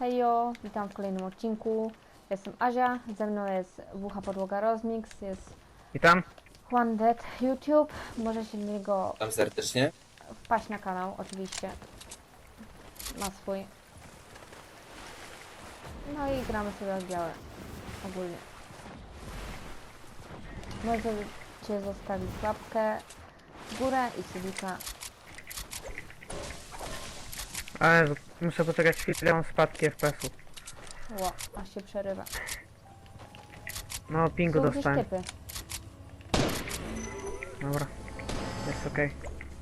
Hejo, witam w kolejnym odcinku. Jestem Azia, ze mną jest WH Podłoga Rozmix, jest Witam. Juan Dead YouTube. Możecie do niego Tam serdecznie. wpaść na kanał, oczywiście. Ma swój. No i gramy sobie w białe. Ogólnie. Możecie zostawić łapkę w górę i subika. Ale muszę poczekać chwilę, mam spadki FPS-u. Ło, aż się przerywa. No, pingu Są gdzieś dostałem. typy. Dobra. Jest okej.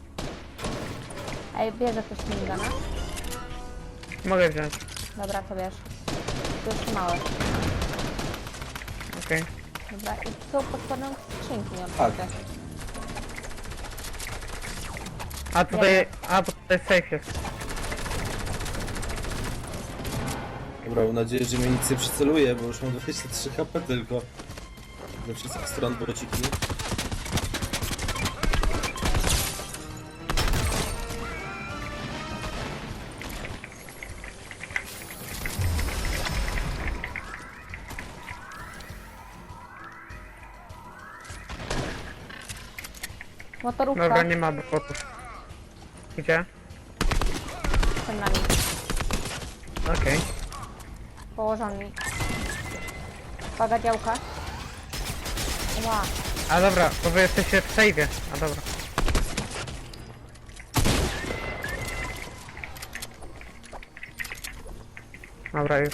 Ej, bierze ktoś minigana? Mogę wziąć. Dobra, to bierz. To jest małe. Okej. Dobra, i są pod spodem skrzynki, nie Tak. otwarte. A tutaj... A, bo tutaj safe jest. Dobra, mam nadzieję, że mnie nic nie przyceluje, bo już mam 23 HP tylko. Ze wszystkich stron bociki. Motorówka Dobra, nie ma botów. Gdzie? przed nami, Okej. położony. Uwaga, działka. Ła, A dobra, bo wy jesteście w save'ie. A dobra. Dobra, już.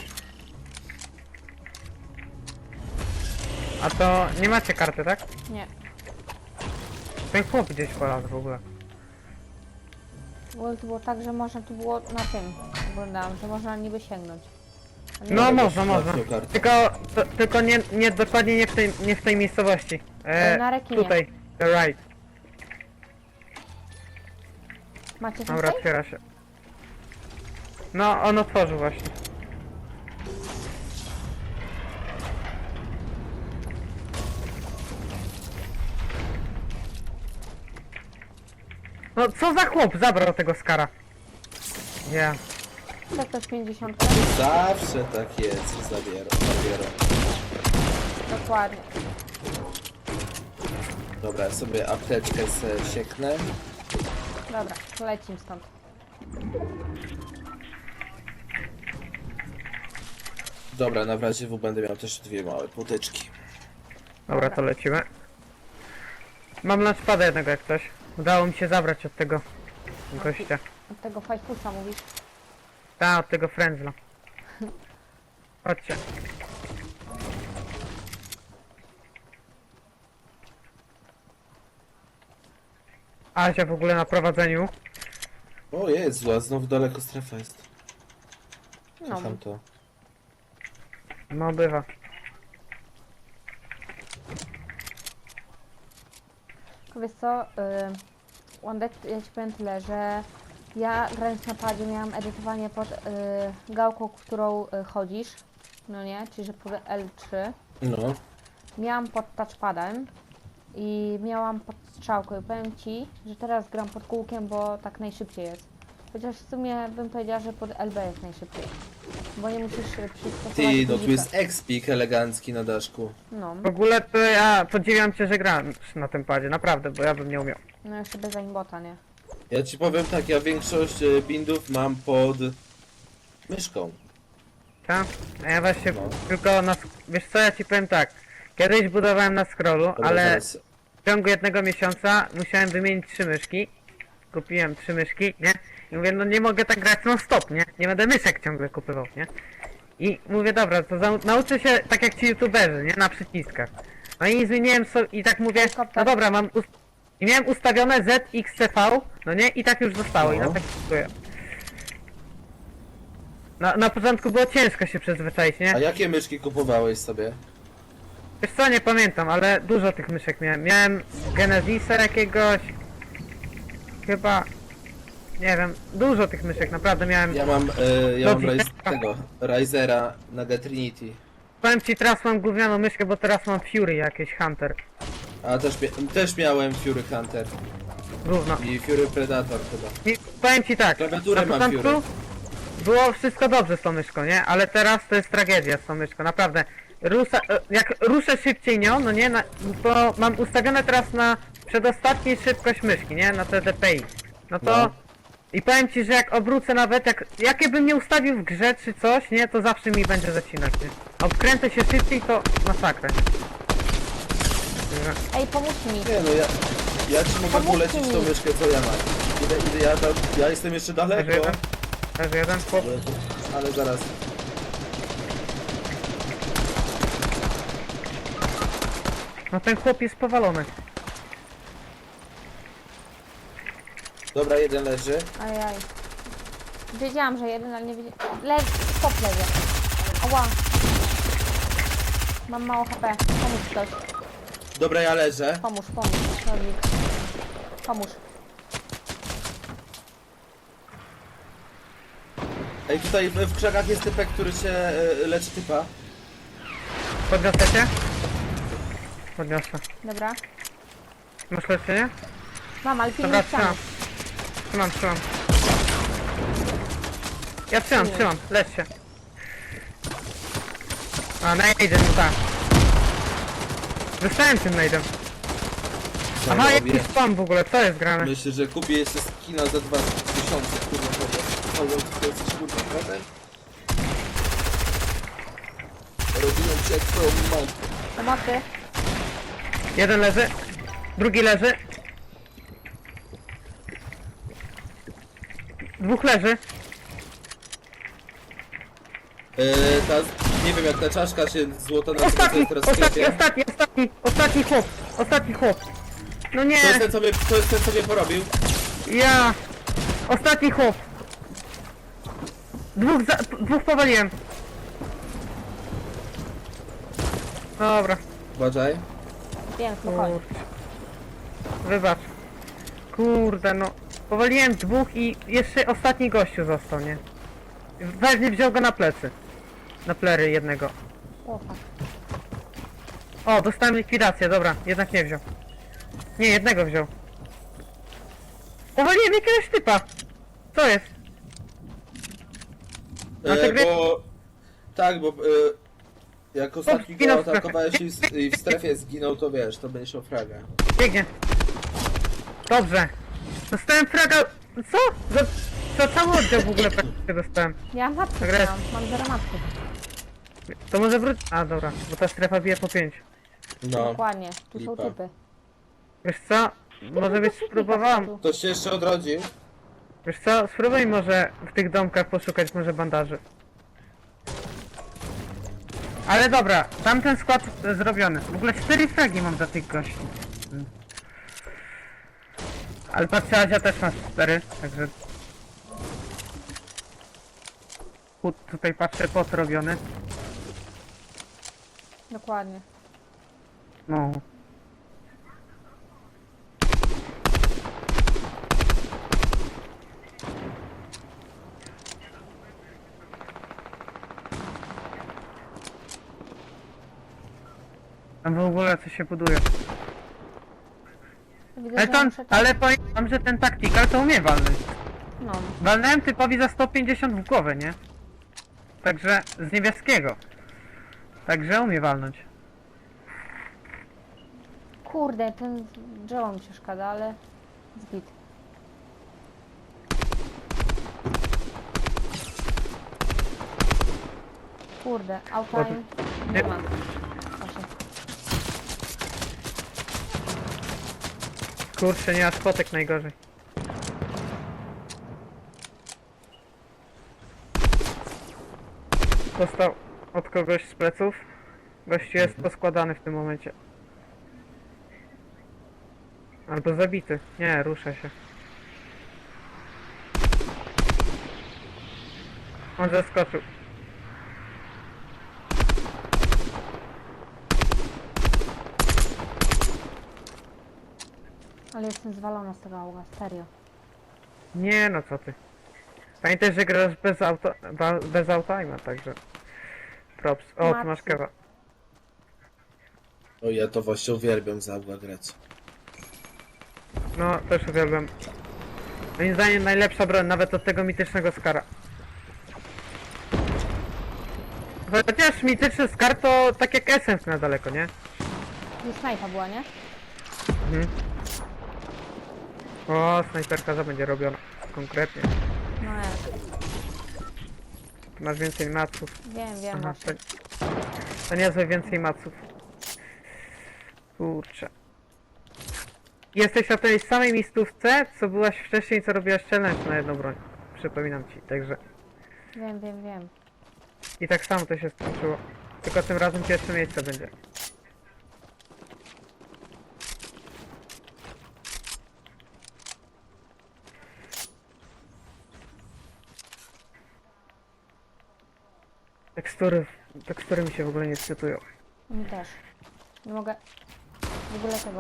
A to nie macie karty, tak? nie. Ten chłop gdzieś polazł w ogóle. Bo to było tak, że można tu było na tym, oglądałam, że można niby sięgnąć. A nie, No Dobra, można, już można. trafił kartę. Tylko nie dokładnie nie w tej miejscowości. Na rekinie. Tutaj, the right. Macie Dobra, tutaj? otwiera się. No, on otworzył właśnie. No co za chłop zabrał tego skara? Ja. To ktoś 50. Zawsze tak jest, że zabiorą. Dokładnie. Dobra, ja sobie apteczkę sieknę. Dobra, to lecimy stąd. Dobra, na razie będę miał też dwie małe płoteczki. Dobra, to lecimy. Mam lunchpada jednego jak coś. Udało mi się zabrać od tego gościa. Od tego fajfusa mówisz? Ta, od tego frędzla. Chodźcie. Asia w ogóle na prowadzeniu. O Jezu, a znowu daleko strefa jest. No, Kocham to. No bywa. wiesz co, Wandek, ja ci powiem tyle, że ja grając na padzie miałam edytowanie pod gałką, którą chodzisz, no nie, czyli że pod L3. No. Miałam pod touchpadem i miałam pod strzałką i powiem ci, że teraz gram pod kółkiem, bo tak najszybciej jest. Chociaż w sumie bym powiedziała, że pod LB jest najszybciej, bo nie musisz przystosować Ty, no tu guzika. jest expik elegancki na daszku. No, W ogóle to ja podziwiam cię, że gram na tym padzie, naprawdę, bo ja bym nie umiał. no jeszcze bez aimbota, nie? Ja ci powiem tak, ja większość bindów mam pod myszką. Tak? A ja właśnie No. tylko na... Wiesz co, ja ci powiem tak. Kiedyś budowałem na scrollu, Dobra, ale zaraz. w ciągu jednego miesiąca musiałem wymienić 3 myszki. Kupiłem 3 myszki, nie? I mówię, no nie mogę tak grać non stop, nie? Nie będę myszek ciągle kupywał, nie? I mówię, dobra, to nauczę się tak jak ci youtuberzy, nie? Na przyciskach. No i zmieniłem sobie, i tak mówię, no dobra, i miałem ustawione ZXCV, no nie? I tak już zostało, i No. na tak kupuję. Na początku było ciężko się przyzwyczaić, nie? A jakie myszki kupowałeś sobie? Wiesz co, nie pamiętam, ale dużo tych myszek miałem. Miałem Genesisa jakiegoś... Chyba... Nie wiem, dużo tych myszek, naprawdę miałem... Ja mam Logitech. tego Ryzera na The Trinity. Powiem ci, teraz mam gównianą myszkę, bo teraz mam Fury jakieś, Hunter. A też miałem Fury Hunter Gówno. i Fury Predator chyba. I powiem ci tak, Klawiaturę na mam początku było wszystko dobrze z tą myszką, nie? Ale teraz to jest tragedia z tą myszką, naprawdę. Jak ruszę szybciej nią, no nie, to mam ustawione teraz na przedostatniej szybkość myszki, nie? Na TDPI. No to... No. I powiem ci, że jak obrócę nawet, jakie bym nie ustawił w grze czy coś, nie? To zawsze mi będzie zacinać, nie? A obkręcę się szybciej, to masakra, nie? Ej, pomóż mi. Nie no, ja ci mogę Pomóżcie polecić tą mi. myszkę, co ja mam. Ja jestem jeszcze Leży daleko, jeden. Leży jeden, chłop. ale zaraz. No ten chłop jest powalony. Dobra, jeden leży. Ajaj. Wiedziałam, że jeden, ale nie wiedziałam. Stop lewie. Ała. Mam mało HP. Pomóż ktoś. Dobra, ja leżę. Pomóż. Rodzik. Pomóż. Ej, tutaj w krzakach jest typek, który się leczy typa. Podniosę cię? Podniosę. Dobra. Masz leczenie? Mam, ale Dobra, pilnuj ściany. trzymam. Ja trzymam, lecz się. A, najdę, no tak. Dostałem tym najdem. Co Aha, robię? jaki spam w ogóle, co jest grane? Myślę, że kupię jeszcze skina za 2000, kurwa, to jest kurwa prezent. Robiłem cię jak twoją matkę. Pomocy. Jeden leży, drugi leży. Dwóch leży. Nie wiem jak ta czaszka się złota nazywa, co jest teraz w sklepie. Ostatni chłop. No nie, To jest ten, co mnie porobił. ja. Ostatni chłop. Dwóch powaliłem. Dobra, Wiem, spokojnie. kurczę. Wybacz. Kurde, no. Powaliłem dwóch i jeszcze ostatni gościu został, nie? Weźmie wziął go na plecy. Na plery jednego. O, fuck. O, dostałem likwidację, dobra, jednak nie wziął. Nie, jednego wziął. Powaliłem jakiegoś typa. Co jest? Na te gry- Bo... Tak, bo... jak ostatni zginął go w strefie. atakowałeś i w strefie zginął, to wiesz, to będziesz o fraga. Biegnie. Dobrze. Dostałem fraga... Co? Za cały oddział w ogóle praktycznie dostałem. Ja matkę Dobra. mam 0 matki. To może wróć... A, dobra, bo ta strefa bije po 5. No. Dokładnie. Tu są lipa. typy. Wiesz co? Może byś spróbowałam... Ktoś się jeszcze odrodził? Wiesz co? Spróbuj może w tych domkach poszukać może bandaży. Ale dobra, tamten skład zrobiony. W ogóle 4 fragi mam za tych gości. Ale patrzę, Azia też ma 4, także... Tutaj patrzę, pot robiony. Dokładnie. No. Tam w ogóle co się buduje. Widzę, Ale, że to, muszę ale powiem wam, że ten tactical to umie walnąć. No. Walnąłem typowi za 150 w głowę, nie? Także z niebieskiego. Także umie walnąć. Kurde, ten drzewo mi przeszkadza, ale zbit. Kurde, outtime nie ma. Proszę. Kurczę, nie ma spotek najgorzej. Dostał od kogoś z pleców. Gościu jest poskładany w tym momencie. Albo zabity. Nie, rusza się. On zaskoczył. Ale jestem zwalona z tego auga, serio. Nie no, co ty. Pamiętaj, że grasz bez autoima, także... Props. O, tu masz kewa. O, ja to właśnie uwielbiam za grać. No, też uwielbiam. Moim zdaniem najlepsza broń, nawet od tego mitycznego skara. Chociaż mityczny skar to tak jak Essence na daleko, nie? I snajpa była, nie? Mhm. O, snajperka za będzie robiona. Konkretnie. No jak. Ty masz więcej maców. Wiem Aha, właśnie. to niezłe więcej maców. Kurczę. Jesteś na tej samej miejscówce, co byłaś wcześniej, co robiłaś challenge na jedną broń. Przypominam ci, także... Wiem. I tak samo to się skończyło. Tylko tym razem pierwsze miejsce będzie. Tekstury mi się w ogóle nie wczytują. Mi też. Nie mogę w ogóle tego.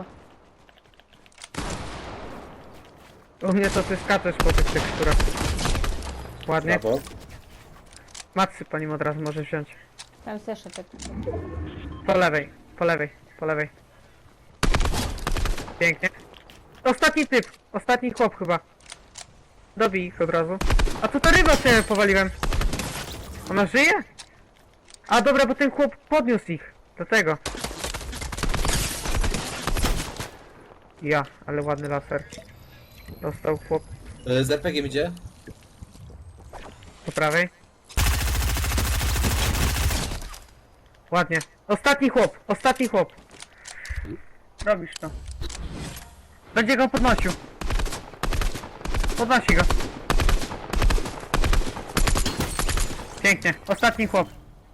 U mnie to ty skaczesz po tych teksturach. Ładnie. Brawo. Matsy po nim od razu możesz wziąć. Tam jest jeszcze typ. Po lewej, po lewej, po lewej. Pięknie. Ostatni chłop chyba. Dobij ich od razu. A tu ta ryba się powaliłem. Ona żyje? A dobra, bo ten chłop podniósł ich. Do tego. Ja, ale ładny laser. Dostał chłop Z RPG idzie? po prawej. Ładnie. Ostatni chłop. Robisz to. Będzie go podnosił. Podnosi go. Pięknie. Ostatni chłop.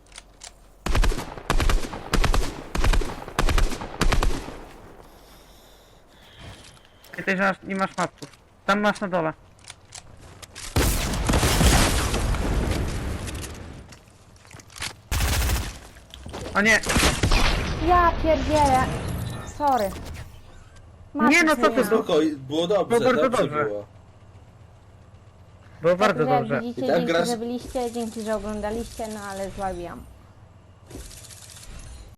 Pamiętaj, że nie masz matków. Tam masz na dole. O nie! Ja pierdzielę. Sorry. Nie, no co ty, zmieniłam. Spokoj, było dobrze, Było bardzo dobrze dobrze. było. Było bardzo Także jak dobrze. widzicie, I tak dzięki, grasz- że byliście, dzięki, że oglądaliście, no ale złabiłam.